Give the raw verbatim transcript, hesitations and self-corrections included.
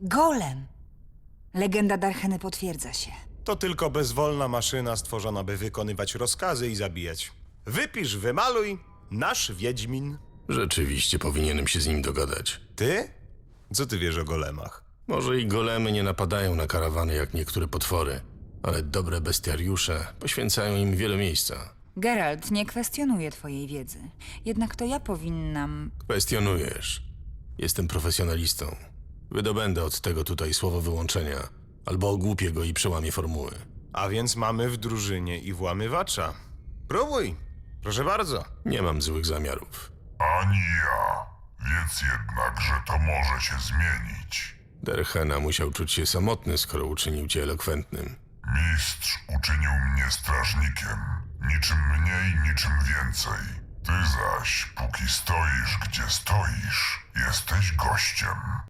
Golem! Legenda Darcheny potwierdza się. To tylko bezwolna maszyna stworzona, by wykonywać rozkazy i zabijać. Wypisz, wymaluj, nasz Wiedźmin. Rzeczywiście powinienem się z nim dogadać. Ty? Co ty wiesz o golemach? Może i golemy nie napadają na karawany jak niektóre potwory, ale dobre bestiariusze poświęcają im wiele miejsca. Geralt, nie kwestionuję twojej wiedzy. Jednak to ja powinnam... Kwestionujesz. Jestem profesjonalistą. Wydobędę od tego tutaj słowo wyłączenia, albo ogłupię go i przełamię formuły. A więc mamy w drużynie i włamywacza. Próbuj, proszę bardzo. Nie mam złych zamiarów. Ani ja. Wiedz jednak, że to może się zmienić. Derhena musiał czuć się samotny, skoro uczynił cię elokwentnym. Mistrz uczynił mnie strażnikiem. Niczym mniej, niczym więcej. Ty zaś, póki stoisz, gdzie stoisz, jesteś gościem.